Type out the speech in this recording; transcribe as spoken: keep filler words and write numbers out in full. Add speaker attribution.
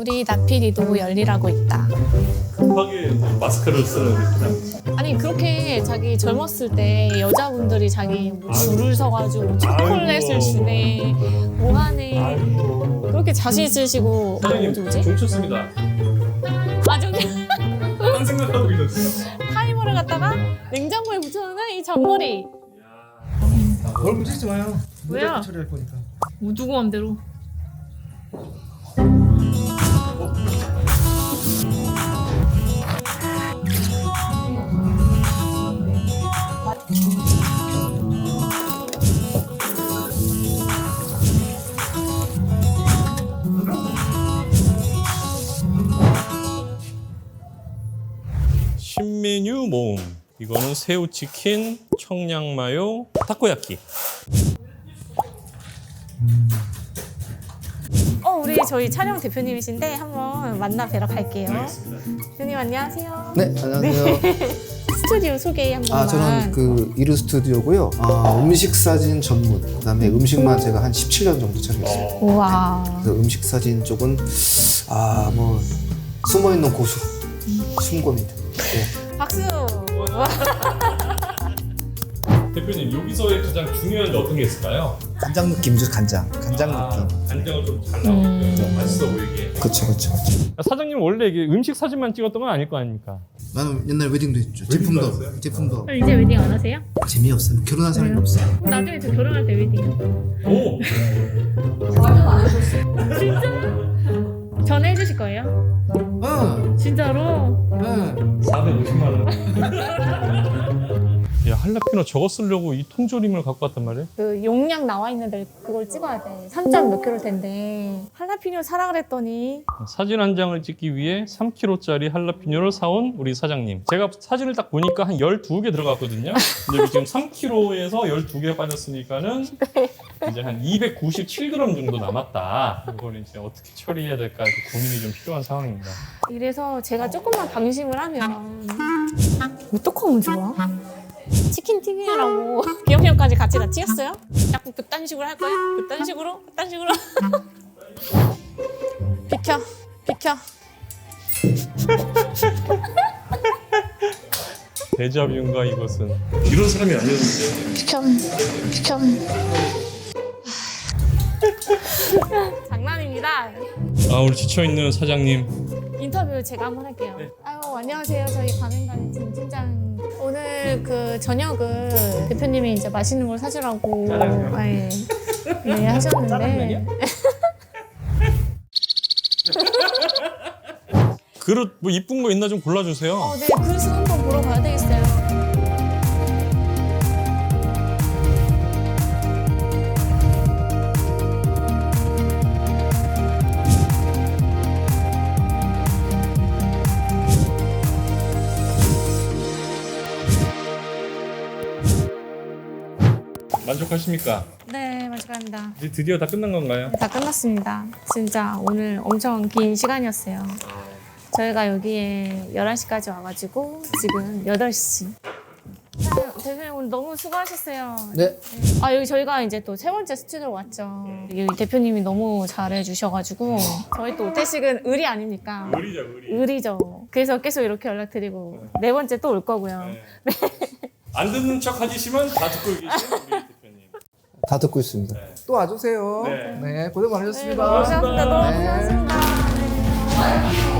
Speaker 1: 우리 나피디도 열일하고 있다.
Speaker 2: 급하게 마스크를 쓰는 그냥.
Speaker 1: 아니 그렇게 자기 젊었을 때 여자분들이 자기 뭐 줄을 서가지고 초콜릿을
Speaker 2: 아이고.
Speaker 1: 주네 뭐하네
Speaker 2: 아이고.
Speaker 1: 그렇게 자신 있으시고
Speaker 2: 사장님
Speaker 1: 뭐지 뭐지?
Speaker 2: 종쳤습니다.
Speaker 1: 아 저기
Speaker 2: 딴 생각하고 계셨어요.
Speaker 1: 타이머를 갖다가 냉장고에 붙여놓는 이 잔머리.
Speaker 3: 뭘 문제지 마요.
Speaker 1: 왜요?
Speaker 3: 문제 처리할 거니까.
Speaker 1: 뭐 누구 맘대로.
Speaker 2: 신메뉴 모음. 이거는 새우치킨, 청양마요, 타코야끼.
Speaker 1: 어 우리 저희 촬영 대표님이신데 한번 만나 뵈러 갈게요. 대표님 안녕하세요.
Speaker 4: 네, 안녕하세요.
Speaker 1: 스튜디오 소개 한 번만.
Speaker 4: 아, 저는 그 이루 스튜디오고요. 아, 음식 사진 전문. 그다음에 음식만 제가 한 십칠 년 정도 촬영했어요.
Speaker 1: 우와.
Speaker 4: 그래서 음식 사진 쪽은 아, 뭐 숨어 있는 고수, 숨고입니다. 네.
Speaker 1: 박수.
Speaker 2: 대표님 여기서의 가장 중요한 게 어떤 게 있을까요?
Speaker 4: 간장 느낌이죠, 간장. 간장
Speaker 2: 아,
Speaker 4: 느낌.
Speaker 2: 간장을 좀 잘 나오게
Speaker 1: 음.
Speaker 2: 맛있어 보이게.
Speaker 4: 그렇죠, 그렇죠.
Speaker 2: 사장님 원래 이게 음식 사진만 찍었던 건 아닐 거 아닙니까?
Speaker 4: 나는 옛날 웨딩도 했죠.
Speaker 2: 웨딩도
Speaker 4: 제품도,
Speaker 2: 했어요?
Speaker 4: 제품도
Speaker 1: 이제 웨딩 안 하세요?
Speaker 4: 재미없어요. 결혼한 사람이 없어요.
Speaker 1: 나중에 저 결혼할 때 웨딩.
Speaker 2: 오.
Speaker 1: 진짜? 전화해 주실 거예요?
Speaker 4: 어,
Speaker 1: 진짜로?
Speaker 4: 네.
Speaker 2: 사백오십만 원. 야 할라피노 저거 쓰려고 이 통조림을 갖고 왔단 말이야?
Speaker 1: 그 용량 나와 있는데 그걸 찍어야 돼. 삼 점 몇 킬로일 텐데. 할라피뇨 사라 그랬더니
Speaker 2: 사진 한 장을 찍기 위해 삼 킬로그램짜리 할라피뇨를 사온 우리 사장님. 제가 사진을 딱 보니까 한 열두 개 들어갔거든요. 근데 여기 지금 삼 킬로그램에서 열두 개 빠졌으니까는 이제 한 이백구십칠 그램 정도 남았다. 이걸 이제 어떻게 처리해야 될까 고민이 좀 필요한 상황입니다.
Speaker 1: 이래서 제가 조금만 방심을 하면 왜 떡하면 좋아? 치킨 튀기라고 기억력까지 같이 다 튀었어요? 자꾸 그딴 식으로 할 거야? 그딴 식으로? 그딴 식으로? 비켜 비켜
Speaker 2: 데자뷰인가 이것은. 이런 사람이 아니었는데.
Speaker 1: 비켜 비켜 장난입니다.
Speaker 2: 아 우리 지쳐있는 사장님.
Speaker 1: 인터뷰 제가 한번 할게요.
Speaker 2: 네.
Speaker 1: 아유 안녕하세요. 저희 가맹가맹팀 팀장. 오늘 그 저녁을 대표님이 이제 맛있는 걸 사주라고
Speaker 2: 짜장면.
Speaker 1: 네, 네 하셨는데.
Speaker 2: 짜장면이요? 그릇 뭐 이쁜 거 있나 좀 골라주세요.
Speaker 1: 어, 네 그릇 한번 보러 가야 되겠어요.
Speaker 2: 만족하십니까?
Speaker 1: 네 만족합니다.
Speaker 2: 이제 드디어 다 끝난 건가요?
Speaker 1: 다 끝났습니다. 진짜 오늘 엄청 긴 시간이었어요. 저희가 여기에 열한 시까지 와가지고 지금 여덟 시. 아, 대표님 오늘 너무 수고하셨어요.
Speaker 4: 네.
Speaker 1: 아 여기 저희가 이제 또 세 번째 스튜디오 왔죠. 여기 대표님이 너무 잘해주셔가지고 저희 또 오태식은 의리 아닙니까?
Speaker 2: 의리죠 의리.
Speaker 1: 의리죠. 그래서 계속 이렇게 연락드리고 네 번째 또 올 거고요.
Speaker 2: 네. 안 듣는 척 하시지만 다 듣고 계신 우리 대표님.
Speaker 4: 다 듣고 있습니다.
Speaker 3: 또 와주세요.
Speaker 2: 네.
Speaker 3: 네, 고생
Speaker 1: 네,
Speaker 3: 많으셨습니다.
Speaker 1: 너무 고생하셨습니다. 너무
Speaker 4: 네.
Speaker 1: 고생하셨습니다. 네.